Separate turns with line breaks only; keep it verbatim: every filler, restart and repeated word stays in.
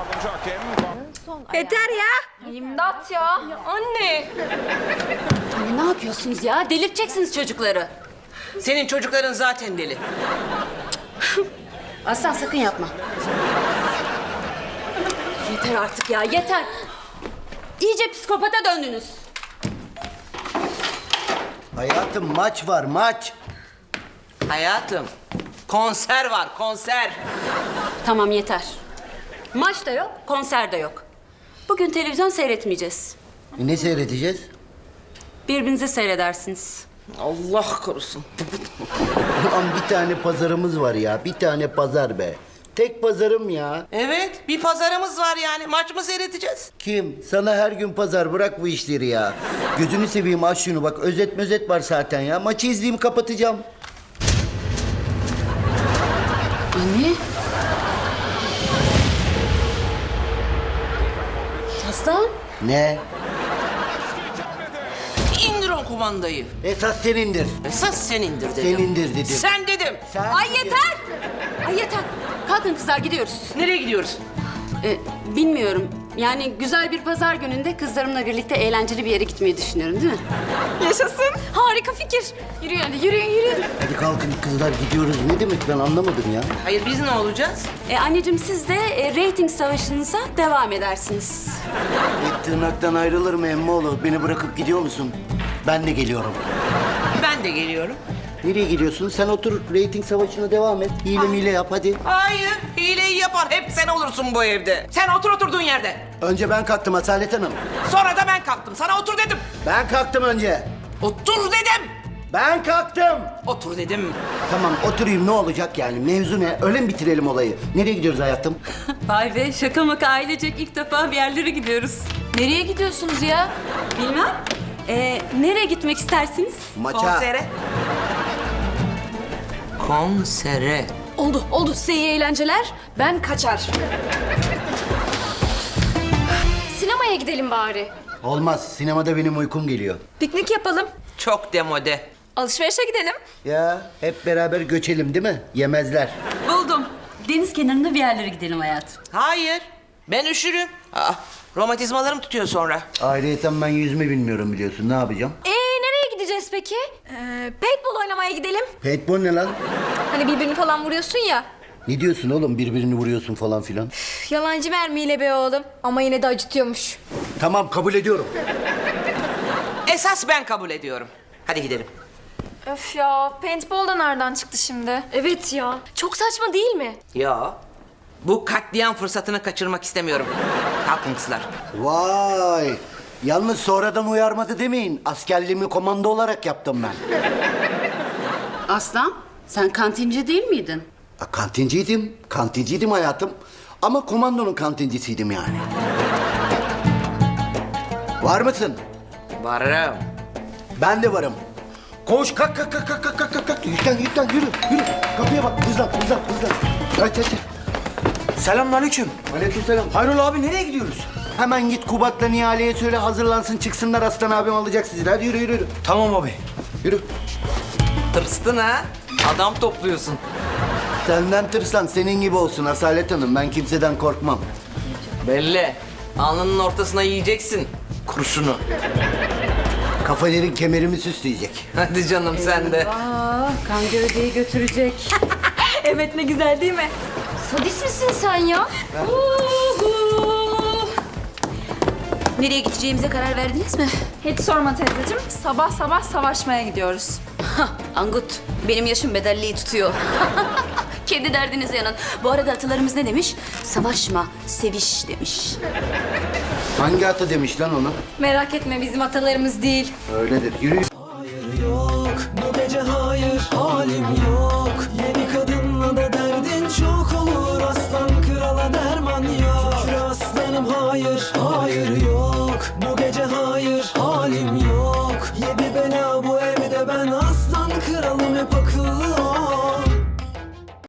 Yeter ya.
İmdat ya. Anne.
Anne ne yapıyorsunuz ya? Delirteceksiniz çocukları.
Senin çocukların zaten deli.
Aslan sakın yapma. Yeter artık ya, yeter. İyice psikopata döndünüz.
Hayatım maç var maç.
Hayatım, konser var, konser.
Tamam yeter. Maç da yok, konser de yok. Bugün televizyon seyretmeyeceğiz.
E ne seyredeceğiz?
Birbirinizi seyredersiniz.
Allah korusun.
Ulan bir tane pazarımız var ya. Bir tane pazar be. Tek pazarım ya.
Evet, bir pazarımız var yani. Maç mı seyredeceğiz?
Kim? Sana her gün pazar, bırak bu işleri ya. Gözünü seveyim, aç şunu bak. Özet mözet var zaten ya. Maçı izleyeyim, kapatacağım.
Anne. Aslan.
Ne?
İndir o kumandayı.
Esas senindir.
Esas senindir dedim.
Senindir dedim.
Sen dedim.
Sen
Ay yeter. Ay yeter. Kalkın kızlar, gidiyoruz.
Nereye gidiyoruz?
Ee, bilmiyorum. Yani güzel bir pazar gününde kızlarımla birlikte eğlenceli bir yere gitmeyi düşünüyorum, değil mi?
Yaşasın. Harika fikir. Yürüyün hadi yürüyün yürüyün.
Hadi kalkın kızlar, gidiyoruz. Ne demek, ben anlamadım ya.
Hayır, biz ne olacağız?
Ee, anneciğim siz de e, reyting savaşınıza devam edersiniz.
E, tırnaktan ayrılır mı emmoğlu? Beni bırakıp gidiyor musun? Ben de geliyorum.
Ben de geliyorum.
Nereye gidiyorsun? Sen otur, reyting savaşına devam et. Hile mile yap hadi.
Hayır, hileyi yapar. Hep sen olursun bu evde. Sen otur oturduğun yerde.
Önce ben kalktım Asalet Hanım.
Sonra da ben kalktım. Sana otur dedim.
Ben kalktım önce.
Otur dedim.
Ben kalktım.
Otur dedim.
Tamam oturayım, ne olacak yani? Mevzu ne? Öyle mi bitirelim olayı? Nereye gidiyoruz hayatım?
Vay be, şaka maka ailecek ilk defa bir yerlere gidiyoruz.
Nereye gidiyorsunuz ya?
Bilmem. Ee, nereye gitmek istersiniz?
Maça.
Konsere. Konsere.
Oldu oldu size iyi eğlenceler. Ben kaçar. Sinemaya gidelim bari.
Olmaz. Sinemada benim uykum geliyor.
Piknik yapalım.
Çok demode.
Alışverişe gidelim.
Ya hep beraber göçelim değil mi? Yemezler.
Buldum. Deniz kenarında bir yerlere gidelim hayatım.
Hayır. Ben üşürüm. Aa, romatizmalarım tutuyor sonra.
Ayrıyeten ben yüzme bilmiyorum biliyorsun. Ne yapacağım?
Ee nereye gideceğiz peki? Ee, paintball oynamaya gidelim.
Paintball ne lan?
Hani birbirini falan vuruyorsun ya.
Ne diyorsun oğlum? Birbirini vuruyorsun falan filan.
Üf, yalancı mermiyle be oğlum. Ama yine de acıtıyormuş.
Tamam, kabul ediyorum.
Esas ben kabul ediyorum. Hadi gidelim.
Öf ya paintball da nereden çıktı şimdi? Evet ya. Çok saçma değil mi?
Ya. Bu katliam fırsatını kaçırmak istemiyorum. Kalkın kızlar.
Vay. Yalnız sonradan uyarmadı demeyin. Askerliğimi komando olarak yaptım ben.
Aslan, sen kantinci değil miydin?
Ha, kantinciydim. Kantinciydim hayatım. Ama komandonun kantincisiydim yani. Var mısın?
Varım.
Ben de varım. Koş, kalk, kalk, kalk, kalk, kalk, kalk, kalk. Yüklen, yüklen, yürü, yürü. Kapıya bak, hızlan, hızlan, hızlan. Kaç, kaç, kaç.
Selamünaleyküm.
Aleykümselam.
Hayrola abi nereye gidiyoruz?
Hemen git Kubat'la Nihale'ye söyle, hazırlansın, çıksınlar. Aslan abim alacak sizi. Hadi yürü, yürü, yürü.
Tamam abi.
Yürü.
Tırstın ha? Adam topluyorsun.
Senden tırsan senin gibi olsun Asalet Hanım. Ben kimseden korkmam.
Belli. Alnının ortasına yiyeceksin kurşunu.
Kafaların kemerimi süsleyecek.
Hadi canım sen de.
Kan gövdeyi götürecek.
Evet ne güzel değil mi? Sadist misin sen ya?
Nereye gideceğimize karar verdiniz mi?
Hiç sorma teyzeciğim. Sabah sabah savaşmaya gidiyoruz.
Hah, Angut, benim yaşım bedelliği tutuyor. Kendi derdinize yanın. Bu arada atalarımız ne demiş? Savaşma, seviş demiş.
Hangi ata demiş lan onu?
Merak etme bizim atalarımız değil.
Öyledir. Yürü.
Hayır yok, bu gece hayır, halim yok.